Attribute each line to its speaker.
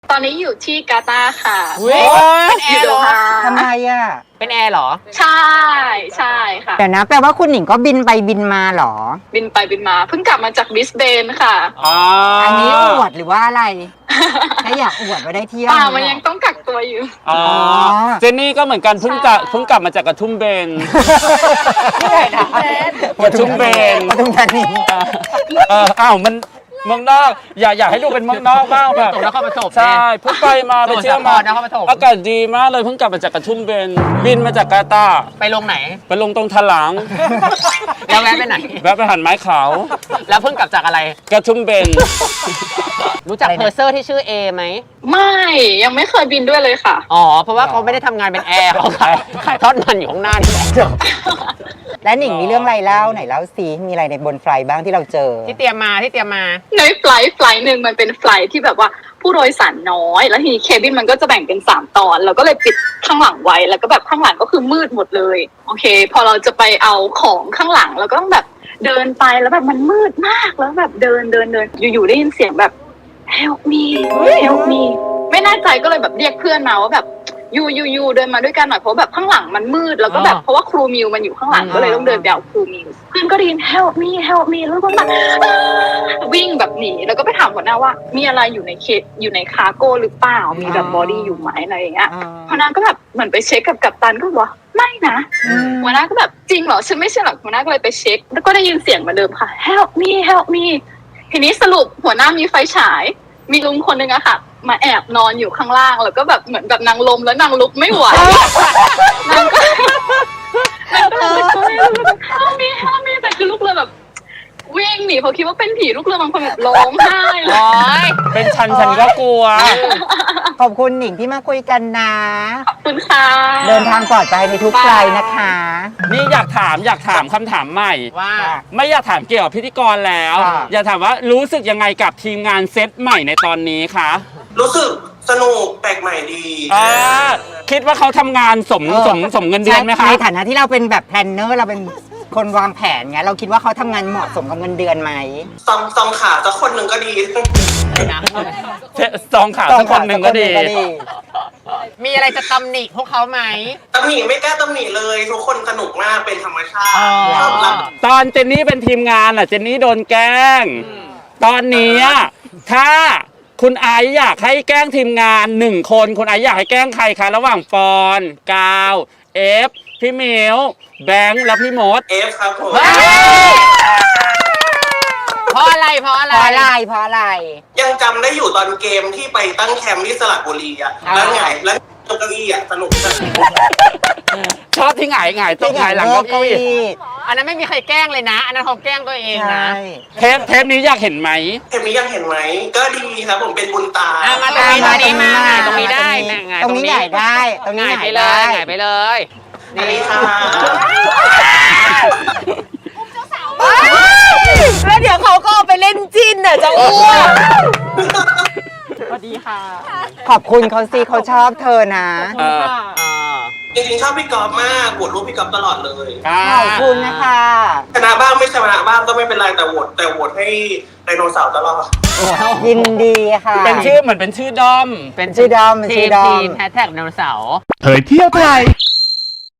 Speaker 1: ตอนนี้อยู่ที่กาตาร์ค่ะ
Speaker 2: เป็นแอร์เหรอ
Speaker 3: ทำไมอ่ะ
Speaker 2: เป็นแอร์เหรอ
Speaker 1: ใช่ใช่ค่ะ
Speaker 3: เดี๋ยวนะแปลว่าคุณหนิงก็บินไปบินมาเหรอ
Speaker 1: บินไปบินมาเพิ่งกลับมาจากบริสเบนค่ะ
Speaker 3: อันนี้อวดหรือว่าอะไรถ้าอยากอวดว่าได้เที่ยว
Speaker 1: มันยังต้องกักตัวอยู่
Speaker 4: อ๋อเจนนี่ก็เหมือนกันเพิ่งกลับมาจากกระทุ่มเบน
Speaker 3: ที่ไหนนะ
Speaker 4: กระทุ่มเบน
Speaker 3: ปทุมธานี
Speaker 4: อ้าวมันเมืองนอกอยากให้ดูเป็นเมืองนอกบ้างแบบ
Speaker 2: ตกนครปฐม
Speaker 4: ใช่เพิ่งไปมาไปเที่ยวมา
Speaker 2: สมุทรสาครนครปฐม
Speaker 4: อากาศดีมากเลยเพิ่งกลับมาจากกระทุ่มเบนบินมาจากกาตาร์
Speaker 2: ไปลงไหน
Speaker 4: ไปลงตรงถลาง
Speaker 2: แล้วแวะไปไหน
Speaker 4: แวะไปหันไม้ขาว
Speaker 2: แล้วเพิ่งกลับจากอะไร
Speaker 4: กระทุ่มเบน
Speaker 2: รู้จักเพอร์เซอร์ที่ชื่อเอไหม
Speaker 1: ไม่ยังไม่เคยบินด้วยเลยค่ะ
Speaker 2: อ๋อ เพราะว่าเขาไม่ได้ทำงานเป็นแอร์เขาขายทอดมันอยู่ข้างหน้านี่แหละ
Speaker 3: และหนิงมีเรื่องอะไรเล่าไหนเล่าซิมีอะไรในบนไฟล์บ้างที่เราเจอ
Speaker 2: ที่เตรียมมา
Speaker 1: ในไฟล์หนึ่งมันเป็นไฟล์ที่แบบว่าผู้โดยสารน้อย แล้วทีนี้เคบินมันก็จะแบ่งเป็น3 ตอนเราก็เลยปิดข้างหลังไว้แล้วก็แบบข้างหลังก็คือมืดหมดเลยโอเค พอเราจะไปเอาของข้างหลังเราก็ต้องแบบเดินไปแล้วแบบมันมืดมากแล้วแบบเดินอยู่ๆได้ยินเสียงแบบ help me help me ไม่แน่ใจก็เลยแบบเรียกเพื่อนมาว่าแบบยูเดินมาด้วยกันหน่อยเพราะแบบข้างหลังมันมืดแล้วก็แบบเพราะว่าครูมิวมันอยู่ข้างหลังก็เลยต้องเดินไปเอาครูมิวเพื่อนก็ได้ยิน help me help me แล้วก็แบบวิ่งแบบหนีแล้วก็ไปถามหัวหน้าว่ามีอะไรอยู่ในคาร์โก้หรือเปล่ามีแบบบอดี้อยู่ไหมอะไรอย่างเงี้ยหัวหน้าก็แบบเหมือนไปเช็คกับกัปตันก็บอกว่าไม่นะหัวหน้าก็แบบจริงเหรอฉันไม่ใช่หรอกหัวหน้าก็เลยไปเช็คแล้วก็ได้ยินเสียงเหมือนเดิมค่ะ help me ทีนี้สรุปหัวหน้ามีไฟฉายมีลุงคนนึงอะค่ะมาแอบนอนอยู่ข้างล่างแล้วก็แบบเหมือนแบบนางลมแล้วนางลุกไม่ไหวนางก็ห้ามมีแต่คือลูกเรือแบบวิ่งหนีเพราะคิดว่าเป็นผีลูกเรือบางคนแบบร้องไห้เลย
Speaker 4: เป็นฉันก็กลัว
Speaker 3: ขอบคุณหนิงที่มาคุยกันนะ
Speaker 1: ขอบคุณค่ะ
Speaker 3: เดินทางปลอดภัยในทุกไฟล์นะคะ
Speaker 4: นี่อยากถามคำถามใหม่
Speaker 2: ว่า
Speaker 4: ไม่อยากถามเกี่ยวกับพิธีกรแล้ว อยากถามว่ารู้สึกยังไงกับทีมงานเซตใหม่ในตอนนี้คะ
Speaker 5: รู้สึกสนุกแปลกใหม่ดี
Speaker 4: คิดว่าเขาทำงานสมเงินเดือนไหมคะ
Speaker 3: ในฐานะที่เราเป็นแบบแพลนเนอร์เราเป็นคนวางแผนไงเราคิดว่าเขาทำงานเหมาะสมกับเงินเดือนไหม
Speaker 5: ซองขาสักคนหนึ่งก็ดี
Speaker 4: ซองข่าวสักคนหนึ่งก็ดี
Speaker 2: มีอะไรจะตำหนิพวกเขาไหม
Speaker 5: ตำหนิไม่กล้าตำหนิเลย ทุกคนสนุกมากเป็นธรรมชาติชอบรับ
Speaker 4: ตอนเจนนี่เป็นทีมงานอ่ะเจนนี่โดนแกล้ง ตอนนี้ถ้าคุณไอซ์อยากให้แกล้งทีมงาน1 คนคุณไอซ์อยากให้แกล้งใครคะระหว่างปอนกาวเอฟพี่มิวแบงค์และพี่มด
Speaker 5: เอฟครับผม
Speaker 2: เพราะอะไร
Speaker 3: เพราะอะไร
Speaker 5: ยังจำได้อยู่ตอนเกมที่ไปตั้งแคมป์ที่สระบุรีอะแล้วไงแล้วเก้าอี้อะสนุกจัง
Speaker 4: ชอบที่หงายต้องหงายหลังเก้าอี้
Speaker 2: อันนั้นไม่มีใครแกล้งเลยนะ อันนั้นเขาแกล้งตัวเองนะ
Speaker 4: เทปนี้อยากเห็นไหม
Speaker 5: เทปนี้ยังเห็นไหมก็ดีครับผมเป็นบุญตา
Speaker 2: มาตรงนี้มาตรงนี้ได้
Speaker 3: ตรงนี้ใหญ่ได้ตรงนี้
Speaker 2: ง่าย
Speaker 3: ใหญ่
Speaker 2: ไปเลย
Speaker 5: นี่ค่ะ
Speaker 3: แล้วเดี๋ยวเขาก็เอาไปเล่นจิ้นน่ะจะอ้วก
Speaker 2: สวัสดีค่ะ
Speaker 3: ขอบคุณเขาสิเขาชอบเธอนะ
Speaker 5: จริงๆชอบพี่กอล์ฟมากโหวตรูปพี่กอล์ฟตลอดเลย
Speaker 3: ขอบคุณนะคะ
Speaker 5: ชนะบ้างไม่ชนะบ้างก็ไม่เป็นไรแต่โหวตให้ไดโนเสาร์ตลอด
Speaker 3: ยินดีค่ะ
Speaker 4: เป็นชื่อเหมือนเป็นชื่อด้อม
Speaker 2: เป็น
Speaker 3: ชื่อดอม
Speaker 2: ทีมแฮชแท็กไดโนเสาร์
Speaker 6: เผยเที่ยวไทย